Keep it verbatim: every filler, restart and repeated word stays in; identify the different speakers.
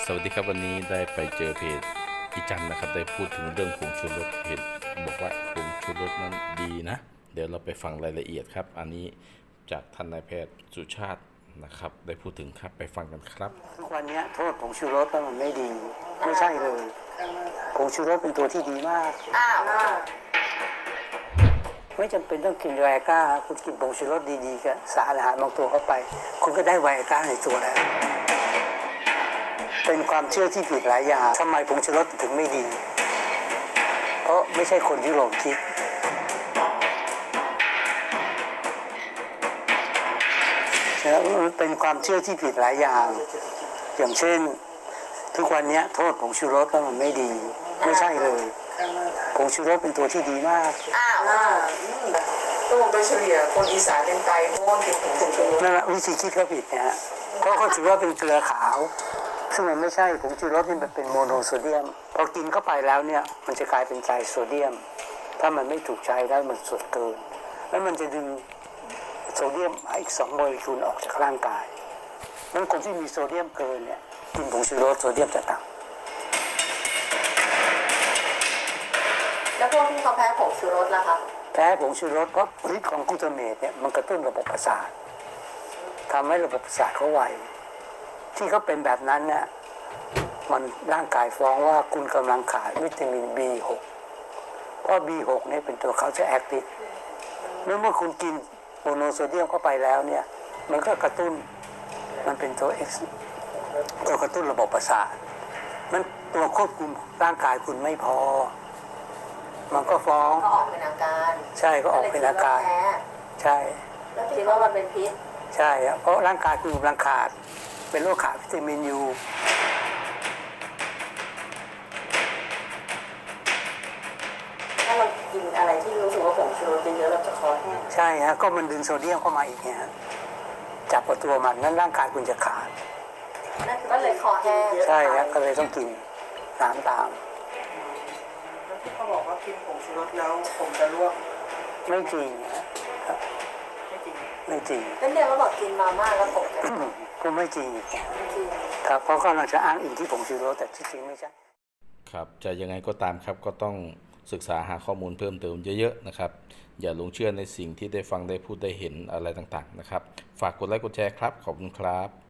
Speaker 1: สวัสดีครับวันนี้ได้ไปเจอเพจอีจันนะครับได้พูดถึงเรื่องผงชูรสเห็นบอกว่าผงชูรสนั้นดีนะเดี๋ยวเราไปฟังรายละเอียดครับอันนี้จากท่านนายแพทย์สุชาตินะครับได้พูดถึงครับไปฟังกันครับ
Speaker 2: ทุกวันนี้โทษผงชูรสมันไม่ดีไม่ใช่เลยผงชูรสเป็นตัวที่ดีมากไม่จำเป็นต้องกินไวอาก้าคุณกินผงชูรสดีๆกับสารอาหารบางตัวเข้าไปคุณก็ได้ไวอาก้าในตัวแล้วเป็นความเชื่อที่ผิดหลายอย่างทำไมผงชูรสถึงไม่ดีเพราะไม่ใช่คนยุโรปคิดมันเป็นความเชื่อที่ผิดหลายอย่างอย่างเช่นทุกวันนี้โทษผงชูรสมันไม่ดีไม่ใช่เลยผงชูรสเป็นตัวที่ดีมาก
Speaker 3: อ้าวก็โดยเฉลี่ยคนอีสานเป็นไตเพราะว่ากินผงชูรส
Speaker 2: นั่นแหละวิธีคิดก็ผิดนะฮะเพราะเขาถือว่าเป็นเกลือขาวซึ่งมันไม่ใช่ผงชูรสนี่มันเป็นโมโนโซเดียมพอกินเข้าไปแล้วเนี่ยมันจะกลายเป็นไตรโซเดียมถ้ามันไม่ถูกใช้แล้วมันส่วนเกินแล้วมันจะดึงโซเดียมอีกสองโมเลกุลออกจากร่างกายนั้นคนที่มีโซเดียมเกินเนี่ยกินผงชูรสโซเดียมจะต่ำ
Speaker 3: แล้วพวกที่เขาแพ้ผงชูรสล่ะคะ
Speaker 2: แพ้ผงชูรสเพราะฤทธิ์ของกลูตาเมตเนี่ยมันกระตุ้นระบบประสาททำให้ระบบประสาทเขาไวที่เขาเป็นแบบนั้นเนี่ยมันร่างกายฟ้องว่าคุณกำลังขาดวิตามิน บี หก เพราะ บี หก เนี่ยเป็นตัวเขาจะแอคทีฟเมื่อเมื่อคุณกินโมโนโซเดียมเข้าไปแล้วเนี่ยมันก็กระตุ้นมันเป็นตัว X ตัวกระตุ้นระบบประสาทมันตัวควบคุมร่างกายคุณไม่พอมันก็ฟ้อง
Speaker 3: ก็ออกเป็นอาการ
Speaker 2: ใช่ก็ออกเป็นอาการใช่
Speaker 3: แล้วคิดว่ามันเป็นพิษ
Speaker 2: ใช่เพราะร่างกายคุณกำลังขาดเป็นโรคขาดวิตามินยู
Speaker 3: ถ้าเรากินอะไรที่รู้สึกว่าผงชูรสเยอะๆเราจะคอแห้ง
Speaker 2: ใช่ฮะก็มันดึงโซเดียมเข้ามาอีกไงจับกับตัวมันนั้นร่างกายคุณจะขาด
Speaker 3: ก็เลยคอแห้ง
Speaker 2: ใช่ฮะก็เลยต้องกินน้ำตาม
Speaker 3: แล้วที่เขาบอกว่ากินผงชูรสแล้วผมจะร่วง
Speaker 2: ไม่จริง
Speaker 3: ไม่จริง
Speaker 2: ไม่จริง
Speaker 3: เป็นเดียวก็บอกกินมาม่าแล้วผมจะ
Speaker 2: ก็ไม่จริงครับเพราะเขาเราจะอ้างอิงที่ผงชูรสแต่ที่จริงไม่ใช่
Speaker 1: ครับจะยังไงก็ตามครับก็ต้องศึกษาหาข้อมูลเพิ่มเติมเยอะๆนะครับอย่าหลงเชื่อในสิ่งที่ได้ฟังได้พูดได้เห็นอะไรต่างๆนะครับฝากกดไลค์กดแชร์ครับขอบคุณครับ